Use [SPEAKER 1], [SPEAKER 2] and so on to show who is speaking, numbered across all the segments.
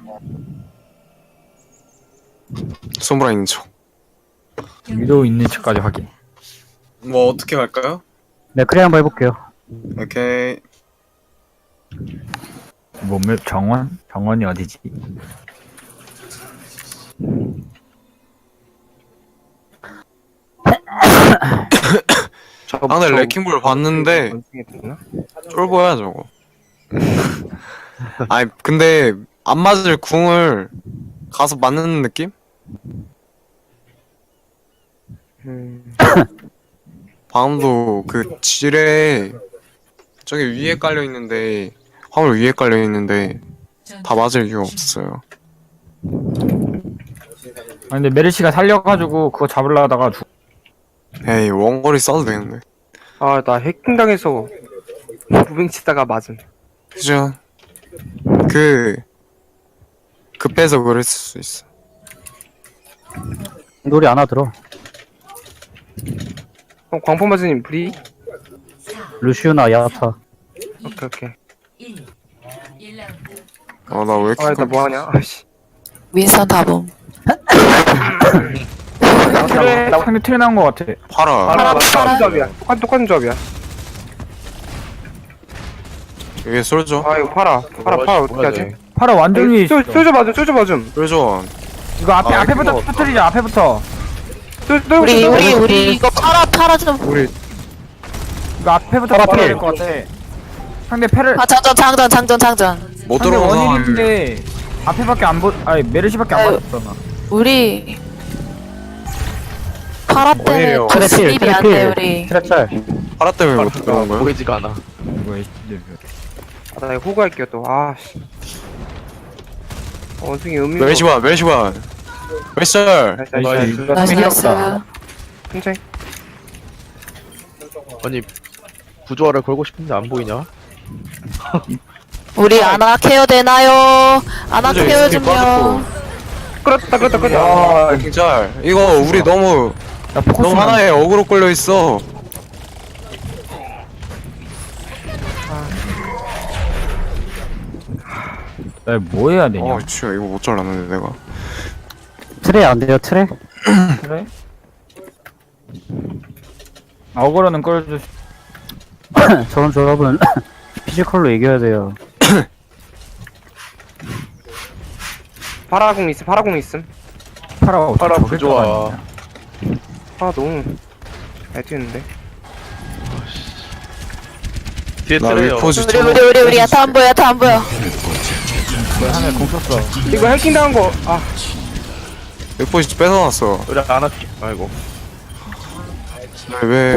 [SPEAKER 1] 소무라 있는 척.
[SPEAKER 2] 위도 있는 척까지 확인.
[SPEAKER 1] 뭐 어떻게 갈까요?
[SPEAKER 3] 네, 그래 한번 해볼게요.
[SPEAKER 1] 오케이.
[SPEAKER 2] 정원? 정원이 어디지?
[SPEAKER 1] 아, 근데 레킹볼 봤는데 쫄보야 저거. 아니 근데 안 맞을 궁을 가서 맞는 느낌? 방금도 그 지뢰 저기 위에 깔려 있는데 화물 위에 깔려 있는데 다 맞을 이유가 없어요.
[SPEAKER 2] 아 근데 메르시가 살려가지고 그거 잡으려 하다가
[SPEAKER 1] 에이 원거리 써도 되는데.
[SPEAKER 4] 아, 나 해킹당해서 무빙 치다가 맞음.
[SPEAKER 1] 그죠? 급해서 그랬을 수 있어.
[SPEAKER 3] 놀이 안 하더라.
[SPEAKER 4] 광포마스님 브리?
[SPEAKER 3] 루시우나 야타.
[SPEAKER 4] 오케이.
[SPEAKER 1] 아 나 왜 이렇게
[SPEAKER 4] 아, 나 뭐하냐? 아씨.
[SPEAKER 5] 윈선 다봄.
[SPEAKER 2] 트레 상대 트레 나온 거 같아.
[SPEAKER 1] 팔아.
[SPEAKER 4] 똑같은 조합이야. 똑같은 조합이야.
[SPEAKER 1] 이게 솔져.
[SPEAKER 4] 아, 이거 팔아 어떻게 하지?
[SPEAKER 2] 파라 완전히 있어.
[SPEAKER 4] 쫄져 맞음.
[SPEAKER 1] 솔져.
[SPEAKER 2] 이거 앞에부터
[SPEAKER 1] 이거
[SPEAKER 2] 터뜨리자. 앞에부터.
[SPEAKER 5] 우리 이거 팔아 좀.
[SPEAKER 1] 우리
[SPEAKER 2] 이거 앞에부터
[SPEAKER 3] 파라
[SPEAKER 2] 터뜨려야
[SPEAKER 3] 필.
[SPEAKER 2] 될 것 같아. 상대 패를
[SPEAKER 5] 아 장전.
[SPEAKER 1] 못
[SPEAKER 2] 상대
[SPEAKER 1] 들어가서
[SPEAKER 2] 원일인데 앞에밖에 안 아니 메르시밖에 안
[SPEAKER 5] 아유.
[SPEAKER 2] 보였잖아.
[SPEAKER 5] 우리 파라 때문에
[SPEAKER 1] 원일이요.
[SPEAKER 5] 또
[SPEAKER 3] 트레필,
[SPEAKER 5] 스킵이 안 돼
[SPEAKER 3] 트레필.
[SPEAKER 5] 우리.
[SPEAKER 3] 트랩짤.
[SPEAKER 1] 팔아 때문에 못 들어간 거야?
[SPEAKER 6] 보이지가 않아.
[SPEAKER 2] 뭐야
[SPEAKER 4] 아, 나 이거 호구할게요 또. 아씨. 원숭이 음미.
[SPEAKER 1] 멜시바. 멜시절.
[SPEAKER 4] 나이스.
[SPEAKER 5] 나이스.
[SPEAKER 4] 천천히.
[SPEAKER 6] 아니 부조화를 걸고 싶은데 안 보이냐?
[SPEAKER 5] 우리 아나 케어 되나요? 아나
[SPEAKER 1] 그죠,
[SPEAKER 5] 케어
[SPEAKER 1] 스킵
[SPEAKER 5] 좀요.
[SPEAKER 4] 끌었다.
[SPEAKER 1] 아 진짜 이거 우리 너무 하나에 어그로 끌려 있어.
[SPEAKER 2] 나 뭐 해야 되냐?
[SPEAKER 1] 진짜 이거 못 잘랐는데 내가.
[SPEAKER 3] 트레 안 돼요, 트레?
[SPEAKER 2] 그래? 어그로는 끌어줄 수.
[SPEAKER 3] 저런 조합은 피지컬로 이겨야 돼요.
[SPEAKER 4] 파라공 있음.
[SPEAKER 2] 파라가 어떻게
[SPEAKER 6] 파라
[SPEAKER 2] 저길
[SPEAKER 6] 부조화.
[SPEAKER 2] 들어가냐?
[SPEAKER 4] 아, 너무 잘 뛰는데.
[SPEAKER 6] 뒤에
[SPEAKER 1] 나
[SPEAKER 6] 트레요.
[SPEAKER 1] 리포즈
[SPEAKER 5] 우리 야타 안 보여.
[SPEAKER 2] 하늘 공 썼어.
[SPEAKER 4] 이거 해킹 당한 거. 아,
[SPEAKER 1] 리포즈 뺏어놨어.
[SPEAKER 6] 우리 안 할게. 아이고.
[SPEAKER 1] 왜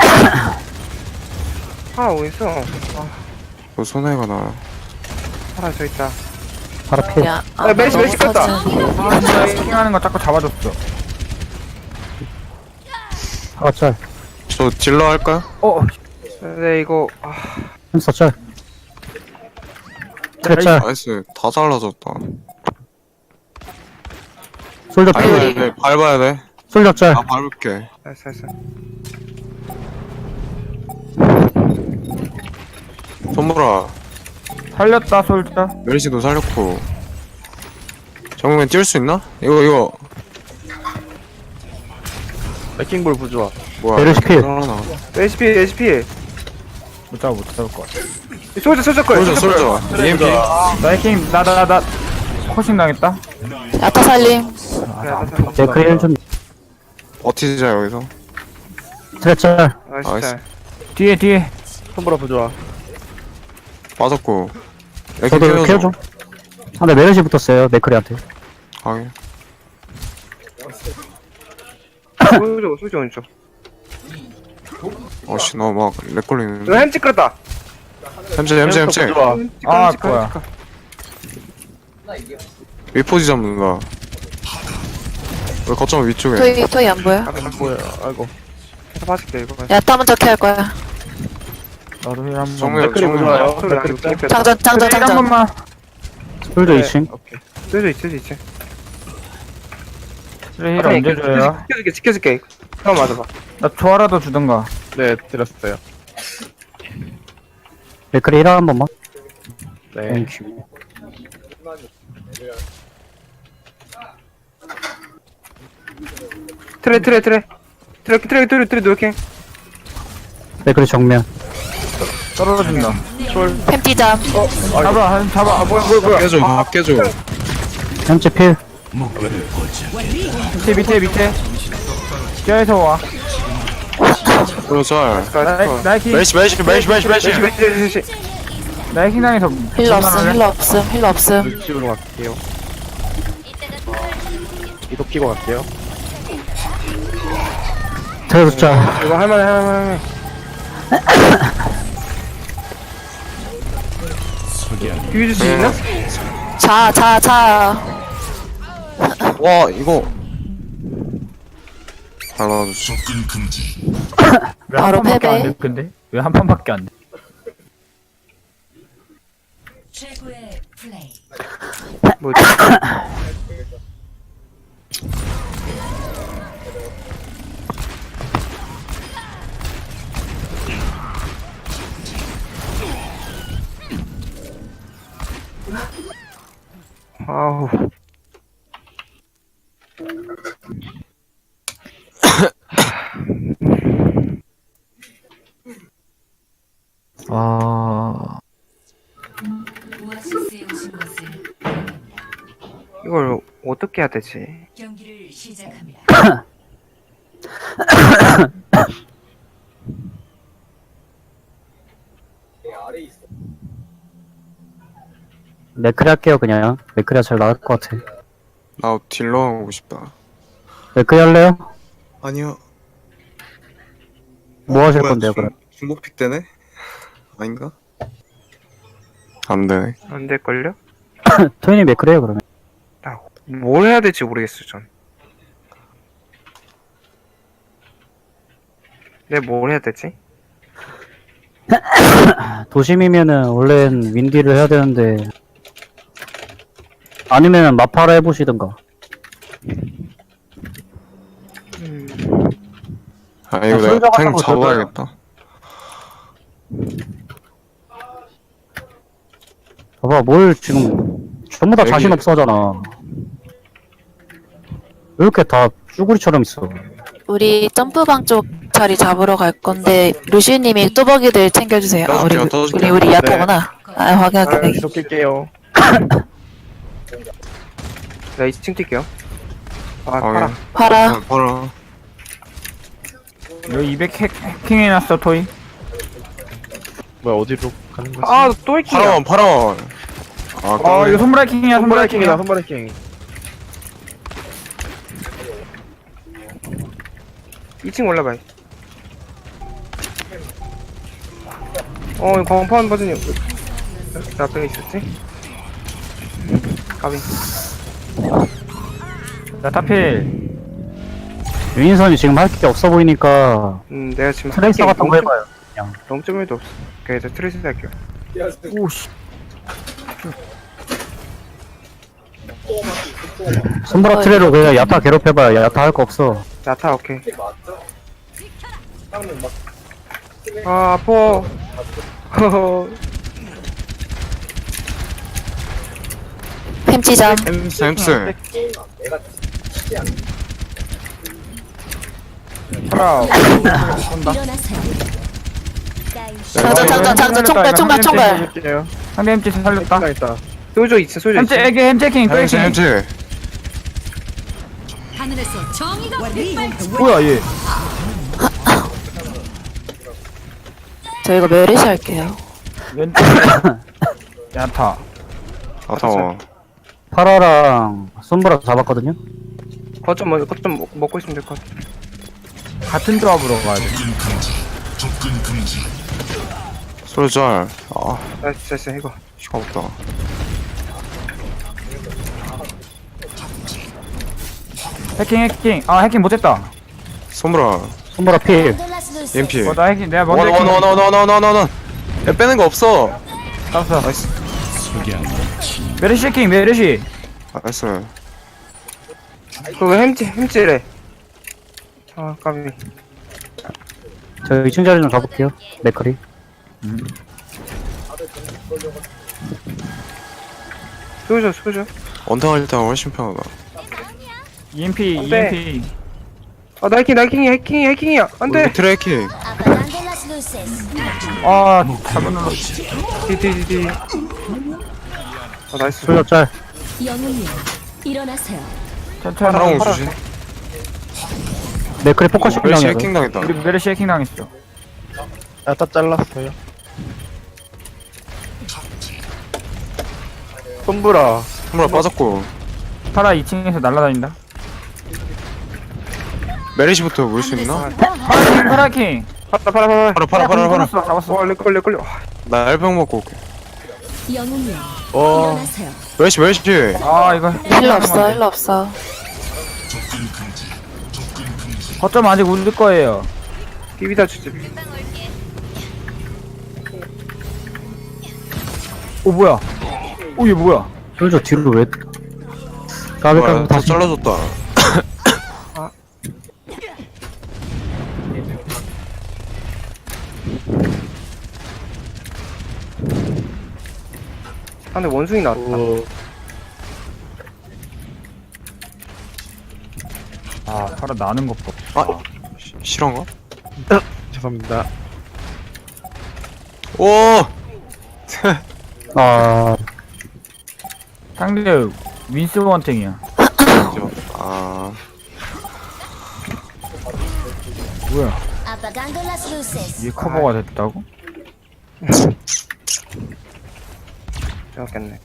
[SPEAKER 4] 파라 어디 있어?
[SPEAKER 1] 그 손해가 나.
[SPEAKER 4] 파라 저 있다.
[SPEAKER 3] 바로 필.
[SPEAKER 5] 야,
[SPEAKER 4] 메르시 껐다.
[SPEAKER 2] 아, 해킹하는 거 자꾸 잡아줬어.
[SPEAKER 3] 파라 짤.
[SPEAKER 1] 저 딜러 할까요?
[SPEAKER 4] 네, 이거
[SPEAKER 3] 햄스터 짤. 트랩 짤.
[SPEAKER 1] 나이스. 다 잘라졌다.
[SPEAKER 3] 솔저
[SPEAKER 1] 밟아야
[SPEAKER 3] 필.
[SPEAKER 1] 돼. 밟아야 돼.
[SPEAKER 3] 솔저 짤.
[SPEAKER 1] 나 밟을게.
[SPEAKER 4] 나이스.
[SPEAKER 1] 손보라.
[SPEAKER 2] 살렸다 솔자.
[SPEAKER 1] 멜시도 살렸고. 정면 뛸 수 있나? 이거
[SPEAKER 6] 레킹볼 부조화.
[SPEAKER 1] 뭐야?
[SPEAKER 3] 메르시 필.
[SPEAKER 1] 하나.
[SPEAKER 4] HP.
[SPEAKER 2] 못 잡을 것 같아.
[SPEAKER 4] 솔져 걸.
[SPEAKER 1] 솔져. EMP.
[SPEAKER 2] 나 해킹 나 코싱 당했다.
[SPEAKER 5] 야타 살림.
[SPEAKER 3] 네, 그레이는 좀.
[SPEAKER 1] 버티자 여기서.
[SPEAKER 3] 트랩 짤.
[SPEAKER 4] 나이스.
[SPEAKER 2] 뒤에.
[SPEAKER 6] 손보라 부조화.
[SPEAKER 1] 빠졌고.
[SPEAKER 3] 저도 케어 좀. 아, 네, 메르시 붙었어요, 맥크리한테.
[SPEAKER 1] 하게.
[SPEAKER 4] 솔져 오른쪽.
[SPEAKER 1] 어씨 너 막 렉 걸리는데.
[SPEAKER 4] 이거 햄찌 끌었다.
[SPEAKER 1] 햄찌.
[SPEAKER 6] 부조화.
[SPEAKER 2] 아 그거야.
[SPEAKER 1] 위포지 잡는다. 왜 거점 위쪽에?
[SPEAKER 5] 토이 안 보여?
[SPEAKER 6] 뭐야? 아이고.
[SPEAKER 4] 계속 빠질게 이거.
[SPEAKER 5] 야타 먼저 케어할 거야.
[SPEAKER 2] 나도 힐 한번.
[SPEAKER 1] 정면
[SPEAKER 6] 맥크리 부조화요.
[SPEAKER 4] 소리 안
[SPEAKER 6] 맥크리
[SPEAKER 4] 듣게.
[SPEAKER 5] 장전.
[SPEAKER 2] 힐 한 번만.
[SPEAKER 3] 솔저
[SPEAKER 4] 네.
[SPEAKER 3] 2층.
[SPEAKER 6] 오케이.
[SPEAKER 4] 솔져 있지.
[SPEAKER 2] 그래 힐 언제 줘요?
[SPEAKER 4] 지켜줄게. 형 맞아봐.
[SPEAKER 2] 나 조화라도 주던가.
[SPEAKER 6] 네 드렸어요.
[SPEAKER 3] 맥크리 1화 한 번만.
[SPEAKER 6] 네.
[SPEAKER 3] 땡큐.
[SPEAKER 4] 트레 노력해.
[SPEAKER 3] 맥크리 정면.
[SPEAKER 2] 떨어진다.
[SPEAKER 5] 햄찌잠.
[SPEAKER 2] 잡아. 뭐야.
[SPEAKER 1] 깨줘.
[SPEAKER 3] 현재 필.
[SPEAKER 2] 밑에. 뛰어서 와.
[SPEAKER 1] 솔저.
[SPEAKER 2] 나이킹
[SPEAKER 1] 메시.
[SPEAKER 2] 나이킹 당해서
[SPEAKER 5] 힐러 없음. 힐러 없음.
[SPEAKER 6] 집으로 갈게요. 이도 끼고 갈게요.
[SPEAKER 3] 들어줬자.
[SPEAKER 4] 이거 할만해. 비벼줄 수 있나?
[SPEAKER 5] 자.
[SPEAKER 1] 와 이거. 발라주지.
[SPEAKER 5] 바로
[SPEAKER 2] 왜 한 판밖에 안
[SPEAKER 5] 패배.
[SPEAKER 2] 돼? 근데 왜 한 판밖에 안 돼?
[SPEAKER 7] 최고의 플레이.
[SPEAKER 4] 뭐지? 아우.
[SPEAKER 2] 아,
[SPEAKER 7] 오아시스에 오신 것을
[SPEAKER 4] 이걸 어떻게 해야 되지?
[SPEAKER 7] 경기를 시작합니다.
[SPEAKER 3] 맥크리 할게요, 그냥. 맥크리가 잘 나갈 것 같아.
[SPEAKER 1] 나 딜러 하고 싶다.
[SPEAKER 3] 맥크리 할래요?
[SPEAKER 1] 아니요.
[SPEAKER 3] 뭐 하실 건데요, 그럼?
[SPEAKER 1] 중복픽 되네? 아닌가? 안 되네.
[SPEAKER 4] 안 될걸요?
[SPEAKER 3] 토이님 맥크리 해요, 그러면.
[SPEAKER 4] 뭘 해야 될지 모르겠어, 전. 내가 뭘 해야 되지?
[SPEAKER 3] 도심이면은, 원래는 윈디를 해야 되는데. 아니면은 마파라 해보시든가.
[SPEAKER 1] 아 이거
[SPEAKER 3] 술
[SPEAKER 1] 내가 탱
[SPEAKER 3] 잡았다고
[SPEAKER 1] 잡아야겠다.
[SPEAKER 3] 봐봐, 뭘 지금, 전부 다
[SPEAKER 1] 여기-
[SPEAKER 3] 자신 없어 하잖아. 왜 이렇게 다 쭈구리처럼 있어?
[SPEAKER 5] 우리 점프방 쪽 자리 잡으러 갈 건데 루시님이 뚜벅이들 챙겨주세요.
[SPEAKER 1] 떠줄게요.
[SPEAKER 5] 우리 야타구나. 확인할게.
[SPEAKER 6] 계속 낄게요.
[SPEAKER 4] 나 2층 뛸게요. 아,
[SPEAKER 1] 아,
[SPEAKER 4] 팔아.
[SPEAKER 5] 봐라.
[SPEAKER 1] 봐라.
[SPEAKER 2] 여기 200 해킹해놨어 토이.
[SPEAKER 6] 뭐야, 어디로 가는 거지?
[SPEAKER 4] 아, 또 있기야.
[SPEAKER 1] 파라원. 아,
[SPEAKER 2] 이거 손브라 해킹이야. 손브라 해킹이야.
[SPEAKER 6] 선발 해킹.
[SPEAKER 4] 2층 올라봐요. 이거 광파원 버전이 나 앞에 있었지? 가비.
[SPEAKER 2] 야타필.
[SPEAKER 3] 유인선이 지금 할 게 없어 보이니까,
[SPEAKER 4] 내가 지금
[SPEAKER 3] 트레이서 같은 거 해봐요.
[SPEAKER 4] 0.1도 없어. 그래서 트레이스 할게요.
[SPEAKER 2] 오씨.
[SPEAKER 3] 손브라 트레로 그냥 야타 괴롭혀봐요. 야타 할 거 없어.
[SPEAKER 4] 야타, 오케이. 아, 아파.
[SPEAKER 5] 햄찌잠.
[SPEAKER 1] 햄스.
[SPEAKER 2] 파라.
[SPEAKER 5] 장전.
[SPEAKER 6] 할게요.
[SPEAKER 2] 상대 햄찌 살렸다.
[SPEAKER 6] 나 있다.
[SPEAKER 4] 소조 있어, 소조
[SPEAKER 2] 햄찌
[SPEAKER 4] 있어.
[SPEAKER 2] 에게 햄찌 해킹 또
[SPEAKER 1] 햄스.
[SPEAKER 2] 해킹.
[SPEAKER 1] 햄스.
[SPEAKER 7] 하늘에서 정의가 빛발치.
[SPEAKER 2] 뭐야 얘?
[SPEAKER 5] 저 이거 메르시 할게요.
[SPEAKER 2] 왼쪽. 야타.
[SPEAKER 1] 아타워.
[SPEAKER 3] 파라랑 손브라 잡았거든요?
[SPEAKER 4] 거점 먹고 있으면 될 것 같아.
[SPEAKER 2] 같은 조합으로 가야 돼.
[SPEAKER 1] 솔저. 아,
[SPEAKER 4] 됐어, 이거.
[SPEAKER 1] 시가 없다.
[SPEAKER 2] 해킹. 아 해킹 못했다.
[SPEAKER 1] 손브라.
[SPEAKER 3] 손브라 필.
[SPEAKER 1] EMP.
[SPEAKER 2] 나 해킹 내가 먼저 해킹.
[SPEAKER 1] 원. 야, 빼는 거 없어.
[SPEAKER 2] 잡았어.
[SPEAKER 1] 나이스.
[SPEAKER 2] 메르시 해킹 메르시.
[SPEAKER 1] 나이스.
[SPEAKER 4] 그거 햄찌래. 아, 까비.
[SPEAKER 3] 저 2층 자리 좀 가볼게요. 맥커리.
[SPEAKER 4] 쏘죠.
[SPEAKER 1] 원탕할 때가 훨씬 편하다.
[SPEAKER 2] EMP
[SPEAKER 4] 안 돼.
[SPEAKER 2] EMP.
[SPEAKER 4] 아, 나 해킹이야. 안 돼.
[SPEAKER 1] 트래킹.
[SPEAKER 2] 아 잘못 눌렀어.
[SPEAKER 4] 디디디디. 아, 나이스.
[SPEAKER 3] 솔저 짤.
[SPEAKER 7] 영웅님 일어나세요.
[SPEAKER 2] 천천히.
[SPEAKER 1] 사랑을 주지.
[SPEAKER 3] 맥크리 포커싱
[SPEAKER 1] 멜시
[SPEAKER 3] 당해서.
[SPEAKER 1] 해킹 당했다.
[SPEAKER 2] 우리 메르시 해킹 당했어.
[SPEAKER 6] 야다 잘랐어요. 손브라.
[SPEAKER 1] 선물 빠졌고.
[SPEAKER 2] 파라 2층에서 날아다닌다.
[SPEAKER 1] 메리시부터 물 수 있나?
[SPEAKER 2] 파라 해킹.
[SPEAKER 4] 팔아.
[SPEAKER 1] 팔아.
[SPEAKER 2] 잡았어.
[SPEAKER 4] 와, 렉걸려.
[SPEAKER 1] 나 알병 먹고 올게.
[SPEAKER 7] 영웅님
[SPEAKER 6] 어.
[SPEAKER 7] 일어나세요.
[SPEAKER 1] 메리시.
[SPEAKER 2] 아 이거
[SPEAKER 5] 힐러 없어.
[SPEAKER 2] 거점 아직 울릴 거예요.
[SPEAKER 4] 비비다 주지.
[SPEAKER 2] 오 뭐야? 오 얘 뭐야?
[SPEAKER 3] 솔저 뒤로 왜? 까비
[SPEAKER 1] 와, 다
[SPEAKER 3] 다시.
[SPEAKER 1] 잘라줬다.
[SPEAKER 4] 아, 근데 원숭이 나왔다.
[SPEAKER 6] 오.
[SPEAKER 2] 아 파라 나는 것 봐.
[SPEAKER 1] 아, 실화인가?
[SPEAKER 6] 죄송합니다.
[SPEAKER 1] 오!
[SPEAKER 3] 아
[SPEAKER 2] 상대 윈스 원탱이야.
[SPEAKER 1] 아,
[SPEAKER 2] 뭐야? 얘 커버가 됐다고?
[SPEAKER 4] 생각했네.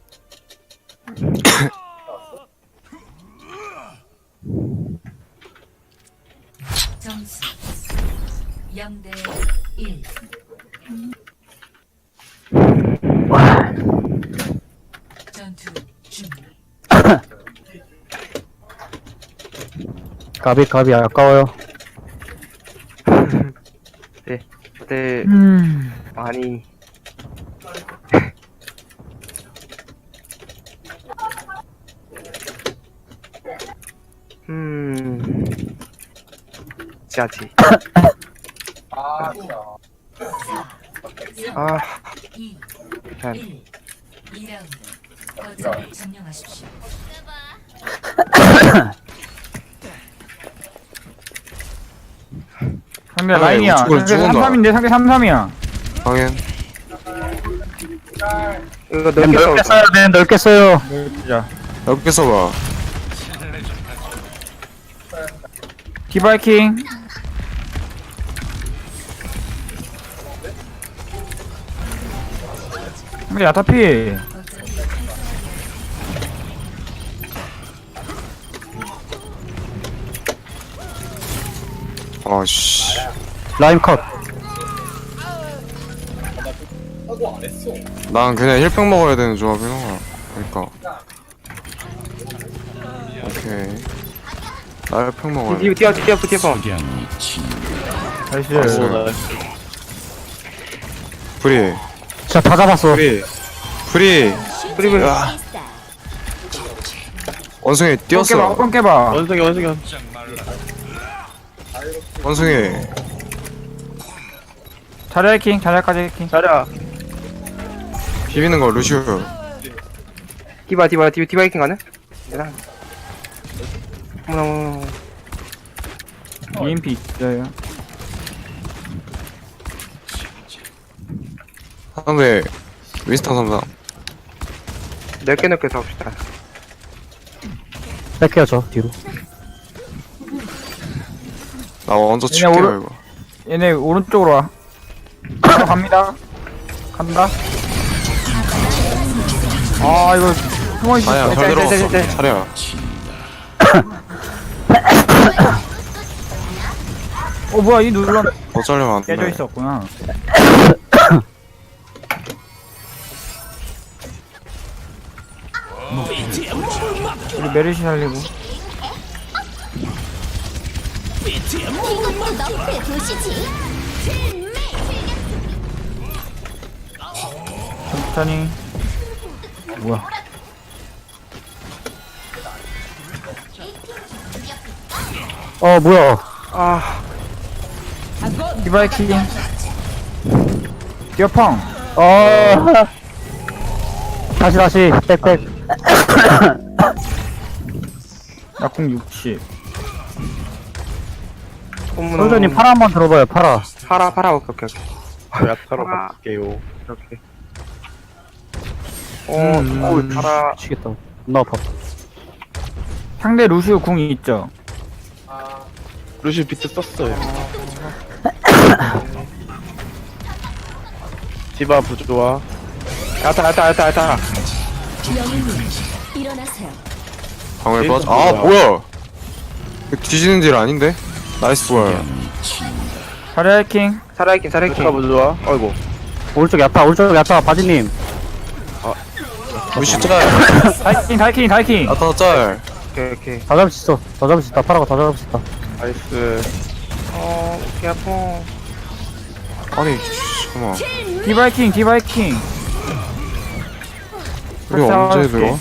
[SPEAKER 7] 점수 0대 1. 전투 준비.
[SPEAKER 3] 까비 아까워요.
[SPEAKER 4] 네,
[SPEAKER 2] 음.
[SPEAKER 4] 많이. 짜지. 아,
[SPEAKER 7] 2,
[SPEAKER 4] 잘.
[SPEAKER 7] 1. 2라운드. 거점을 점령하십시오.
[SPEAKER 2] 상대
[SPEAKER 1] 아,
[SPEAKER 2] 라인이야.
[SPEAKER 1] 우측으로
[SPEAKER 2] 상대
[SPEAKER 1] 죽은다.
[SPEAKER 2] 33인데 상대 33이야.
[SPEAKER 1] 당연.
[SPEAKER 4] 이거 넓게
[SPEAKER 3] 넓게
[SPEAKER 4] 싸우자.
[SPEAKER 3] 써요. 네 넓게 써요.
[SPEAKER 2] 자,
[SPEAKER 1] 여기서 봐.
[SPEAKER 2] 디바이킹. 상대 야타피.
[SPEAKER 1] 아씨.
[SPEAKER 3] 라임 컷.
[SPEAKER 1] 난 그냥 힐병 먹어야 되는 조합이야. 그러니까. 오케이. 나 힐병 먹어야 돼.
[SPEAKER 4] 뛰어.
[SPEAKER 2] 나이스.
[SPEAKER 1] 나이스. 프리.
[SPEAKER 3] 자 다 잡았어.
[SPEAKER 1] 프리.
[SPEAKER 4] 그리고
[SPEAKER 1] 원숭이 뛰었어.
[SPEAKER 2] 뻥 깨봐.
[SPEAKER 6] 원숭이.
[SPEAKER 1] 원숭이.
[SPEAKER 2] 자리 해킹, 자리까지 해킹.
[SPEAKER 6] 자랴.
[SPEAKER 1] 비비는 거 루시오.
[SPEAKER 4] 디바이킹 가네? 대단. 어머나.
[SPEAKER 2] EMP 있어요.
[SPEAKER 1] 상대 윈스턴 삼상.
[SPEAKER 4] 넓게 싸웁시다.
[SPEAKER 3] 뺄게요 저 뒤로.
[SPEAKER 1] 나 먼저
[SPEAKER 2] 얘네
[SPEAKER 1] 칠게요
[SPEAKER 2] 오른-
[SPEAKER 1] 이거.
[SPEAKER 2] 얘네 오른쪽으로 와. 바로 간다. 간다. 아 이거 숨어 있어.
[SPEAKER 1] 아니야 잘 들어갔어.
[SPEAKER 4] 짤.
[SPEAKER 1] 차례야.
[SPEAKER 2] 뭐야 이 눌러
[SPEAKER 1] 더 잘리면 안
[SPEAKER 2] 깨져
[SPEAKER 1] 돼.
[SPEAKER 2] 있었구나. 우리 메르시 살리고. 천천히. 뭐야?
[SPEAKER 3] 뭐야?
[SPEAKER 4] 아,
[SPEAKER 2] 디바이킹. 뛰어펑.
[SPEAKER 3] 다시 빽.
[SPEAKER 2] 약공 60.
[SPEAKER 3] 솔저님 파라 한번 들어봐요, 파라.
[SPEAKER 4] 파라 오케이 오케이 오케이.
[SPEAKER 6] 야타로
[SPEAKER 4] 아.
[SPEAKER 6] 바꿀게요.
[SPEAKER 4] 오케이. 파라
[SPEAKER 3] 미치겠다. 존나 아파.
[SPEAKER 2] 상대 루시우 궁이 있죠.
[SPEAKER 6] 루시 비트 썼어요. 디바 부조화.
[SPEAKER 4] 야타.
[SPEAKER 1] 방울
[SPEAKER 6] 레이저
[SPEAKER 1] 빠져. 아
[SPEAKER 6] 뭐야?
[SPEAKER 1] 뭐야? 이거 뒤지는 딜 아닌데? 나이스 볼.
[SPEAKER 2] 자리야 해킹.
[SPEAKER 4] 살아있긴
[SPEAKER 6] 디바 부조화. 아이고.
[SPEAKER 3] 오른쪽 야타, 바지님.
[SPEAKER 1] 루시 짤.
[SPEAKER 2] 다이킹.
[SPEAKER 1] 아타 짤.
[SPEAKER 4] 오케이.
[SPEAKER 3] 다 잡을 수 있어. 다 잡을 수 있다. 파라가 다 잡을 수 있다.
[SPEAKER 6] 나이스.
[SPEAKER 4] 오케이 아파.
[SPEAKER 1] 아니 잠깐만.
[SPEAKER 2] 디바이킹.
[SPEAKER 1] 우리 언제 들어?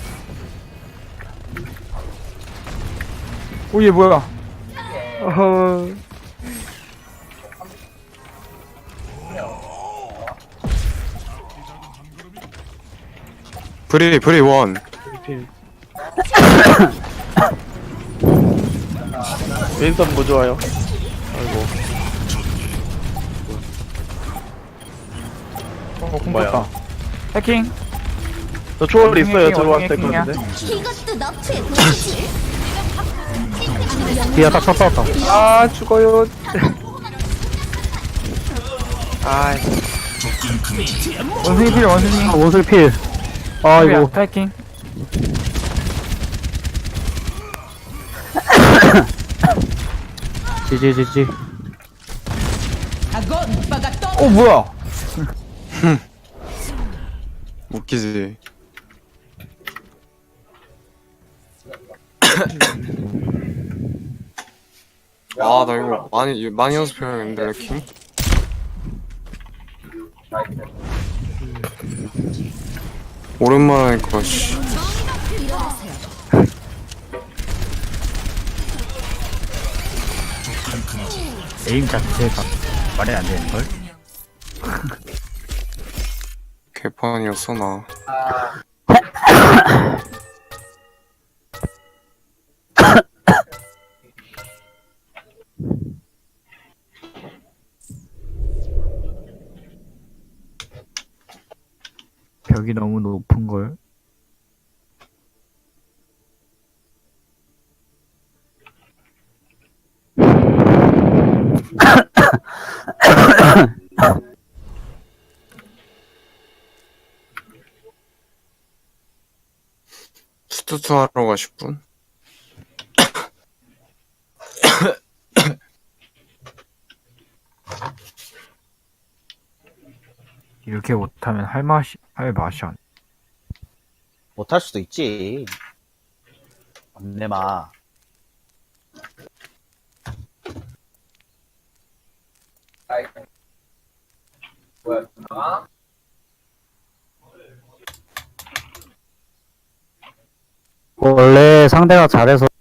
[SPEAKER 2] 오, 얘 뭐야?
[SPEAKER 4] 어허.
[SPEAKER 1] 브리 원.
[SPEAKER 6] 윈선 부조화요. 아이고.
[SPEAKER 2] 공
[SPEAKER 6] 뭐야?
[SPEAKER 2] 떴다. 해킹.
[SPEAKER 6] 저 초월 있어요.
[SPEAKER 2] 해킹이야,
[SPEAKER 6] 들어왔을 때
[SPEAKER 2] 해킹이야.
[SPEAKER 6] 건데.
[SPEAKER 8] 이것도 너프에 보이지?
[SPEAKER 3] 뒤에 야타 쳤다 왔다.
[SPEAKER 4] 아 죽어요. 아
[SPEAKER 2] 원숭이.
[SPEAKER 3] 원술 필. 아이고.
[SPEAKER 2] 타이킹.
[SPEAKER 3] 지지.
[SPEAKER 2] 오, 뭐야?
[SPEAKER 1] 웃기지. 아 나 이거 많이 연습해야겠는데 레킹. 오랜만에 하니까 씨.
[SPEAKER 2] 에임 자체가 말이 안 되는걸?
[SPEAKER 1] 개판이었어 나.
[SPEAKER 2] 벽이 너무 높은걸?
[SPEAKER 1] 스투트 하러 가실 분?
[SPEAKER 2] 이렇게 못하면 할 맛이 안.
[SPEAKER 9] 못할 수도 있지. 안내마.
[SPEAKER 3] 원래 상대가 잘해서